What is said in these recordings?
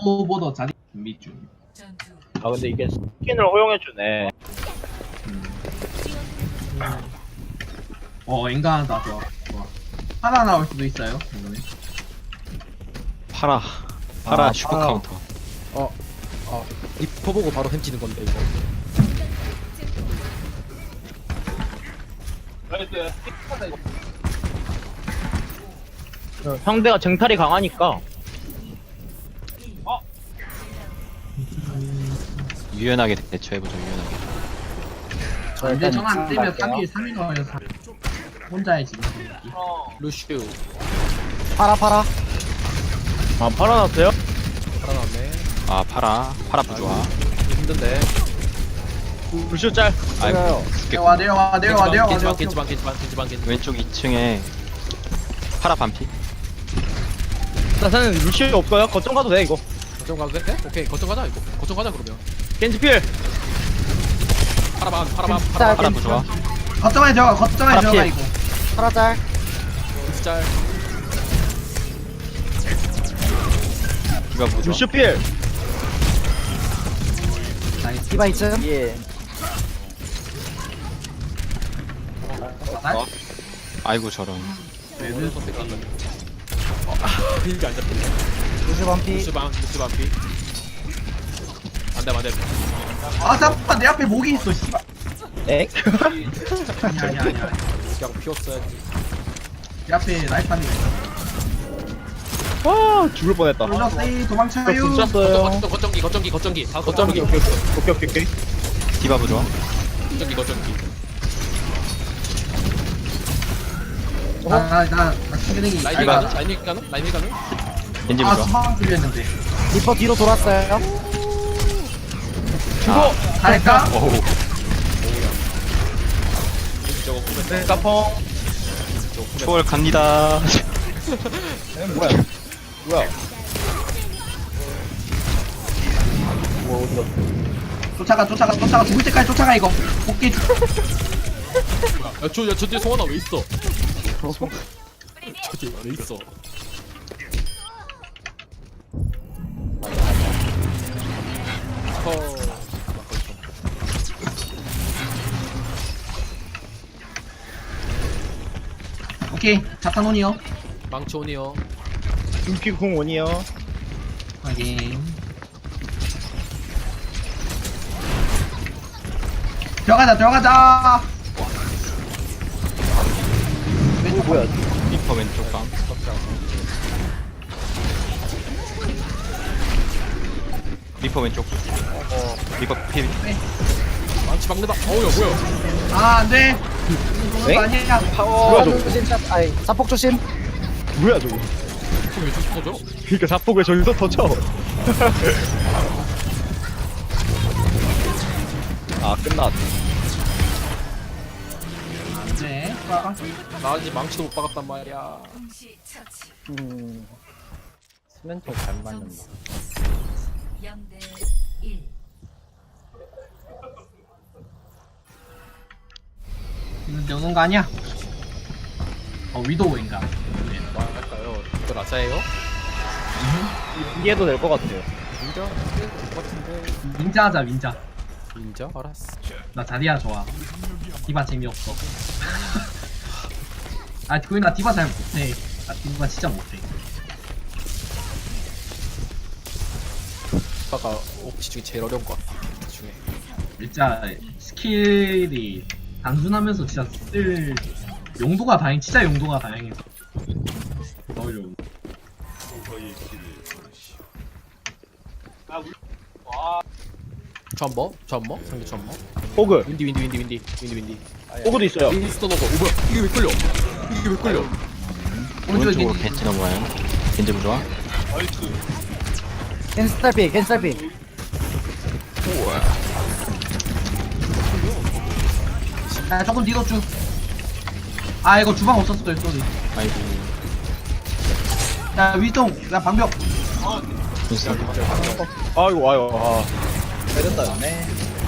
오버더 자리 준비 중. 아 근데 이게 스킨을 허용해주네. 인간하다. 좋아. 하나 나올 수도 있어요. 이번에. 파라 슈퍼 파라. 카운터. 리퍼 보고 바로 햄찌는 건데 이거. 상대가 쟁탈이 강하니까. 유연하게 대처해보죠. 유연하게. 근데 전안 뜨면 3일 3일 걸려서 혼자의 지금 분위기. 루슈 파라. 아 팔아놨어요? 살아났네. 아 파라 부좋아. 힘든데. 루시오 짤. 아이고 내려와 겐지방. 왼쪽 2층에 파라 반피. 나사는 루시오 없어요? 거점 가도 돼 이거. 거점 가도 돼? 오케이 거점 가자 이거. 거점 가자 그러면. 겐지필. 파라반. 파라 부좋아. 거점에 들어가 파라 이거. 파라짤 짤. 디바 부좋아. 루시오 필. 디바 2층 예. 아이고 저런. 이게 안 잡힌다. 루슈 반피 루슈방 피. 안돼. 잠깐만 내 앞에 목이 있어. 씨발. 엑. 아니야. 그냥 피웠어야지. 내 앞에 라이파니. 와 죽을 뻔했다. 불렀어요. 도망쳐요. 붙였어요. 거점기. 오케이. 디바 부좋아. 거점기. 나 충분히 라인이 가는? 겐지 부좋아. 수방 들렸는데. 리퍼 뒤로 돌았어요 죽어. 잘했다. 오우. 저거 보면 네, 까펑. 초월 갑니다. 뭐야? 쫓아가 죽을 때까지 쫓아가 이거. 복귀. 저 뒤에 송하나 왜 있어? 저 뒤에 왜 있어? 오케이. 자탄온이요. 망치온이요. 눈피궁 원이요. 확인. 들어가자. 뭐야? 리퍼 왼쪽 방. 리퍼 왼쪽. 리퍼 피. 망치 막는다. 어우야 뭐야? 안돼. 엥? 아니야. 뭐야 저거? 조심 아이 사폭 조심 뭐야 저거? 왜 저기 터져? 그러니까 자폭 왜 저기서 터져? 아 끝났. 안돼. 나 아직 망치도 못 박았단 말이야. 스멘토 잘 맞는다. 0대1 이거 넣는 거 아니야? 위도우인가? 뭐 할까요? 이거 라자예요? 이해도 될 것 같아요. 인정? 될것 같은데. 민자하자 민자. 인정? 알았어. 나 자리야 좋아. 디바 재미없어. 그거 나 디바 잘 못해. 나 디바 진짜 못해. 아까 옵치 중에 제일 어려운 것 같아. 중에. 진짜 스킬이 단순하면서 진짜 쓸 용도가 진짜 용도가 다양해서 어려운. 전버? 상대 전버? 호그. 윈디. 호그도 있어요. 윈스턴 오버. 뭐야? 이게 왜 끌려? 오른쪽으로 겐지 넘어와요. 겐지 부좋아. 겐스탈피 조금 뒤로 쭉. 이거 주방 없었어. 쏘리. 아이고. 야 위동. 야 방벽. 윈스턴. 아이고 아유. 때렸다네.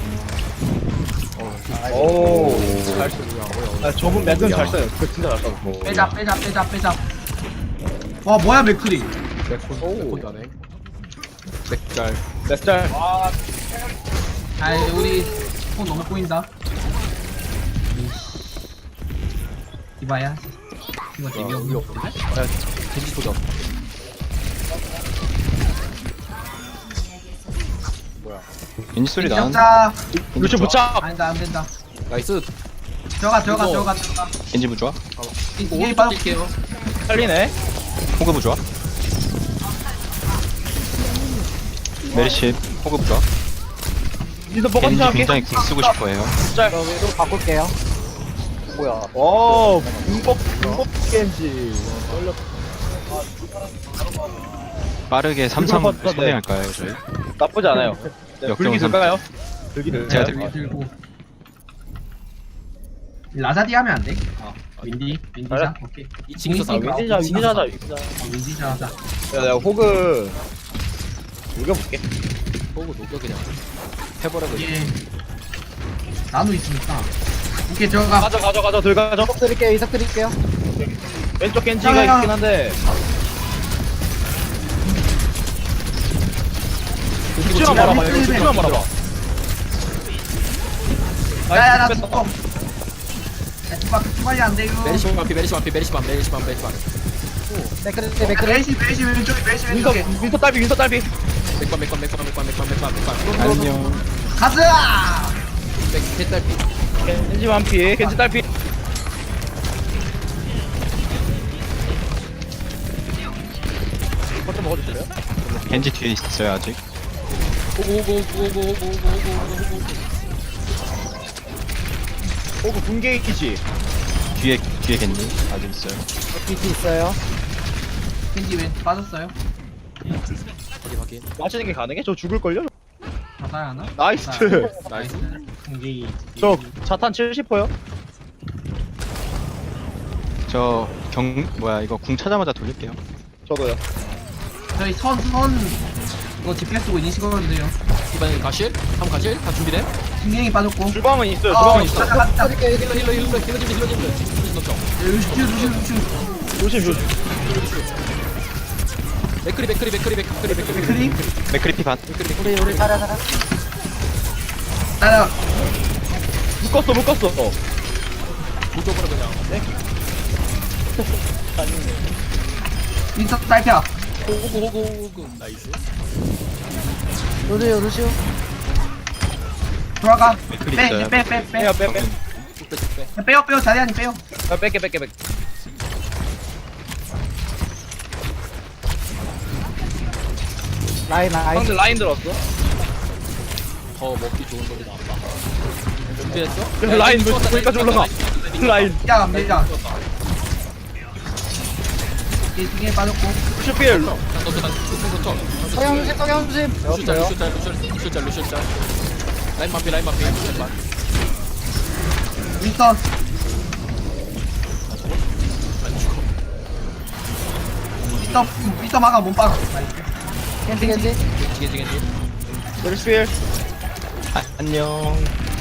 오. 아 저분 맥은 잘 써요. 그 진짜 잘 써. 빼자. 와 뭐야 맥크리. 오. 나네. 맥짤. 넷짤. 아이 우리 손 너무 꼬인다. 이봐야 이거 재미없는 거. 겐지 도전. 겐지 소리 나는. 자 루시 부착. 아니다 안 된다. 나이스. 들어가. 겐지 부좋아. 이게 바로 뛸게요. 살리네. 호그 부좋아. 메리시 호그 부좋아. 니도 먹었지 겐지 않게? 굉장히 궁 쓰고 싶어해요. 짤. 저 위로 바꿀게요. 뭐야? 오, 문법 겐지. 빠르게 삼삼 이걸 봤다, 네. 선행할까요 저희? 나쁘지 않아요. 네, 역경 불기 들까요? 불기를. 제가 여기 들고 라자디 하면 안 돼? 윈디자 그래? 오케이 2층에서 싸워. 윈디자, 윈디자자, 윈디자. 윈디자 하자. 야, 내가 호그 녹여볼게. 보고 녹여 그냥. 해버려 그냥. 이게 나노 있으니까 오케이 들어가. 가져, 들어가죠. 이석 드릴게요. 이석 드릴게요. 왼쪽 겐지가 야, 야. 있긴 한데. 죽지만 말아봐, 이거 죽지만 말아봐. 야야 나 뺐어. 죽어. 야 주박 주박이 안 돼 이거. 메리시 반피. 맥크리. 메시 왼쪽에. 윈터 딸비. 맥반. 안녕. 가자. 맥달피. 겐지 완피, 겐지 딸비. 버튼 먹어주실래요? 겐지 뒤에 있어요 아직. 오고. 호그 분계이지. 뒤에 겐지 아직 있어요. BT 있어요. 겐지 왼 빠졌어요. 확인. 맞히는 게 가능해? 저 죽을걸요? 가사야 하나? 나이스. 나이스. 겐지. 저 자탄 70%요? 저 이거 궁 찾자마자 돌릴게요. 저도요. 저희 선 이거 집게 쓰고 인식하면 돼요. 이번엔 가실? 한번 가실? 다 준비돼? 신경이 빠졌고. 주방은 있어요. 주방은 있어. 가자. 힐러 넣죠. 루시. 조심. 맥크리. 크림. 맥크리피 반. 우리 살아. 따라. 묶었어. 무조건 그냥. 인터 딸피야. 호구. 나이스. 루시오. 돌아가. 맥클이 빼. 있어요. 빼. 빼요. 빼. 빼요. 자리아니 빼요. 뺄게. 라인. 상대 라인 들었어. 더 먹기 좋은 소리 나왔다. 준비했어? 그래서 라인 왜 거기까지 올라가? 라인. 야, 밀자. 이 등에 빠졌고. 슈필. 성형 조심. 루시짤. 라인 마피. 윈스턴. 미터 막아 못 박아. 겐지. 겐지. 슈필. 안녕.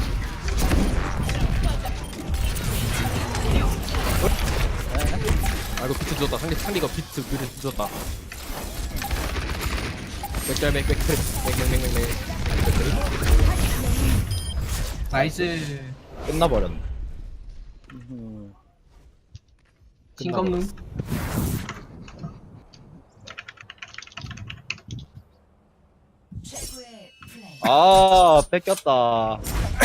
아 이거 비트 늦었다. 상대가 비트 늦었다. 맥. 나이스. 끝나버렸네. 신검능. 아, 뺏겼다.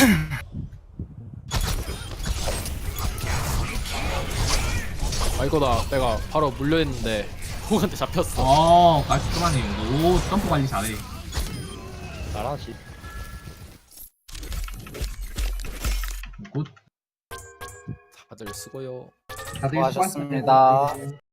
아 이거다. 내가 바로 물려했는데 호그한테 잡혔어. 깔끔하네. 오, 점프 관리 잘해. 잘하지. 굿. 다들 수고요. 다들 수고하셨습니다. 수고하셨습니다.